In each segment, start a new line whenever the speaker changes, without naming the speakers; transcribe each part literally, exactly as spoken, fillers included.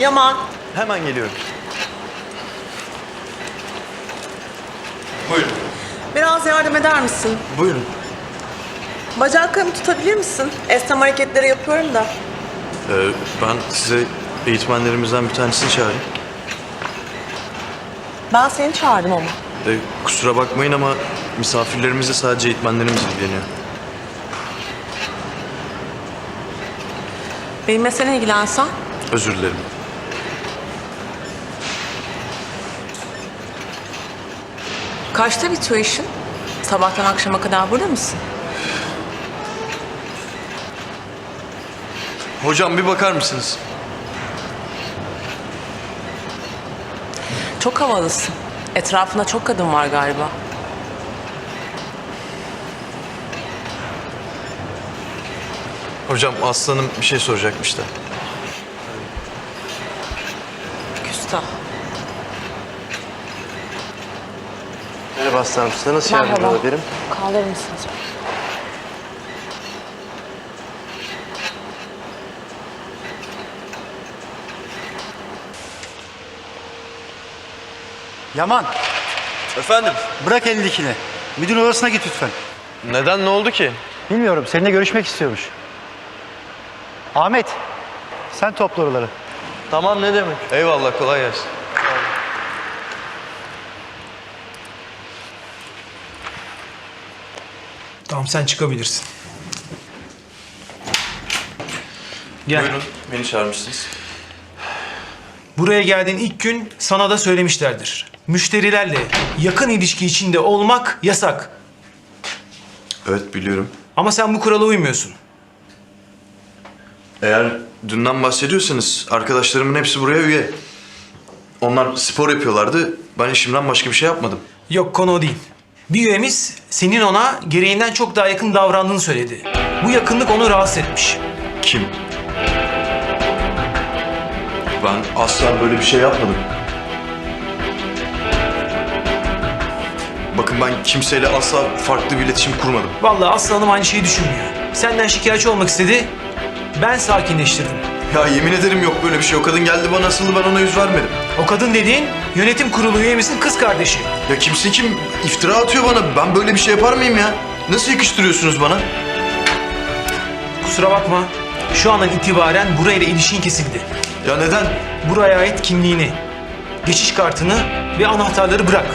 Yaman.
Hemen geliyorum. Buyurun.
Biraz yardım eder misin?
Buyurun.
Bacaklarımı tutabilir misin? Esnem hareketleri yapıyorum da.
Ee, ben size eğitmenlerimizden bir tanesini çağırayım.
Ben seni çağırdım ama.
Ee, kusura bakmayın ama misafirlerimizle sadece eğitmenlerimiz ilgileniyor.
Benimle sen ilgilensen.
Özür dilerim.
Kaçta bitiyor işin? Sabahtan akşama kadar burada mısın?
Hocam bir bakar mısınız?
Çok havalısın. Etrafında çok kadın var galiba.
Hocam Aslanım bir şey soracakmış da.
Küstah.
Merhaba Aslanım, size nasıl yardımcı olabilirim?
Kaldırır mısınız?
Yaman,
Efendim?
bırak elindekini. Müdür odasına git lütfen.
Neden, ne oldu ki?
Bilmiyorum, seninle görüşmek istiyormuş. Ahmet, sen topla oraları.
Tamam, ne demek? Eyvallah, kolay gelsin.
Tamam, sen çıkabilirsin. Gel.
Buyurun, beni çağırmışsınız.
Buraya geldiğin ilk gün sana da söylemişlerdir. Müşterilerle yakın ilişki içinde olmak yasak.
Evet, biliyorum.
Ama sen bu kurala uymuyorsun.
Eğer dünden bahsediyorsanız arkadaşlarımın hepsi buraya üye. Onlar spor yapıyorlardı. Ben işimden başka bir şey yapmadım.
Yok, konu o değil. Bir üyemiz senin ona gereğinden çok daha yakın davrandığını söyledi. Bu yakınlık onu rahatsız etmiş.
Kim? Ben asla böyle bir şey yapmadım. Bakın ben kimseyle asla farklı bir iletişim kurmadım.
Vallahi Aslı Hanım aynı şeyi düşünmüyor. Senden şikayetçi olmak istedi. Ben sakinleştirdim.
Ya yemin ederim yok böyle bir şey. O kadın geldi bana asıldı, ben ona yüz vermedim.
O kadın dediğin yönetim kurulu üyemizin kız kardeşi.
Ya kimse kim iftira atıyor bana. Ben böyle bir şey yapar mıyım ya? Nasıl yakıştırıyorsunuz bana?
Kusura bakma. Şu andan itibaren burayla ilişkin kesildi.
Ya neden?
Buraya ait kimliğini, geçiş kartını ve anahtarları bırak.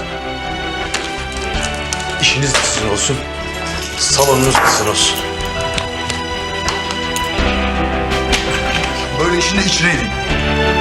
İşiniz sizin olsun. Salonunuz sizin olsun. Böyle işin de içine edin.